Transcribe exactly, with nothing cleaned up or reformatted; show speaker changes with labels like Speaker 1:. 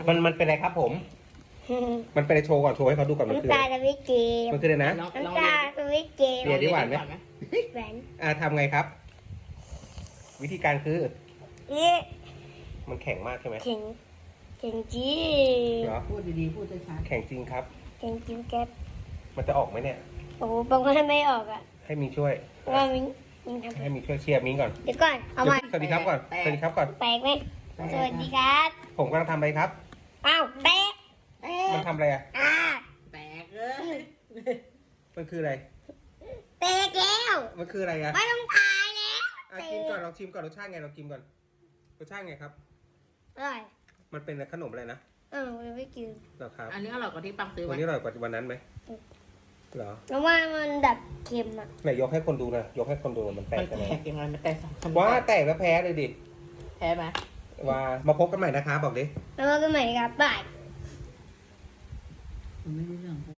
Speaker 1: มันมันเป็นอะไรครับผม มันเป็นอะไรโชว์ก่อนโชว์ให้เขาดูก่อนมันคือ
Speaker 2: น้ำ
Speaker 1: อะ
Speaker 2: ตา
Speaker 1: ไร
Speaker 2: สวิตเกม
Speaker 1: มันคืออะไรนะ
Speaker 3: ลองลอง
Speaker 2: น้ำตาสวิตเกม
Speaker 1: เรียน ได้หวานไหม
Speaker 2: แหวน
Speaker 1: อ่าทำไงครับ วิธีการคือ
Speaker 2: นี่
Speaker 1: มันแข็งมากใช่ไหม
Speaker 2: เข่งเข่งจี
Speaker 1: เหรอ
Speaker 3: พูดดีๆ พูดช้า
Speaker 1: แข็งจริงครับ
Speaker 2: เข่งจิ๋วแก๊ป
Speaker 1: มันจะออกไหมเนี่ย
Speaker 2: โอ้โหบอกว่าไม่ออกอ่ะ
Speaker 1: ให้มิงช่วย
Speaker 2: เพราะว่ามิงมิงทำ
Speaker 1: ให้มิงช่วยเชียร์มิงก่อน
Speaker 2: เดี๋ยวก่อนเอามา
Speaker 1: สวัสดีครับก่อน สวัสดีครับก่อน
Speaker 2: แปลกไหมสวัสดีครับ
Speaker 1: ผมกำลังทำอะไรครับ
Speaker 2: อ้าวแปลกแปล
Speaker 1: มัน
Speaker 2: ก
Speaker 1: ทำอะไรอ่ะ
Speaker 2: อ่า
Speaker 3: ๆแตกเลย
Speaker 1: มันคืออะไร
Speaker 2: แปลกแล้ว
Speaker 1: มันคืออะไรอ่ะ
Speaker 2: ไม่ต้องตายแล้ว
Speaker 1: อ่ะชิมก่อนลองชิมก่อนรสชาติไงลองชิมก่อนรสชาติไงครับ
Speaker 2: อร่อย
Speaker 1: มันเป็นขนมอะไรนะ
Speaker 2: เออมันไม่กิน
Speaker 1: เหรอครับ
Speaker 3: อันนี้อร่อยกว่าที่ปังซื้อ
Speaker 1: วัน
Speaker 3: ไว้
Speaker 1: นี้อร่อยกว่าวันนั้นไหมเหรอ
Speaker 2: แล้วว่ามันดับเค็มอ่ะ
Speaker 1: ไหนยกให้คนดูนะยกให้คนดูมันแต
Speaker 3: มั
Speaker 1: ก
Speaker 3: น
Speaker 1: กันไหม
Speaker 3: แตกยังไงมันแตกสองคน
Speaker 1: ว่าแตกแล้วแพ้เลยดิ
Speaker 3: แพ้ไหม
Speaker 1: ว่ามาพบกันใหม่นะคะบอกดิ
Speaker 2: แล้วก็ใหม่ครับบาย
Speaker 3: ไม่รู้เรื่อง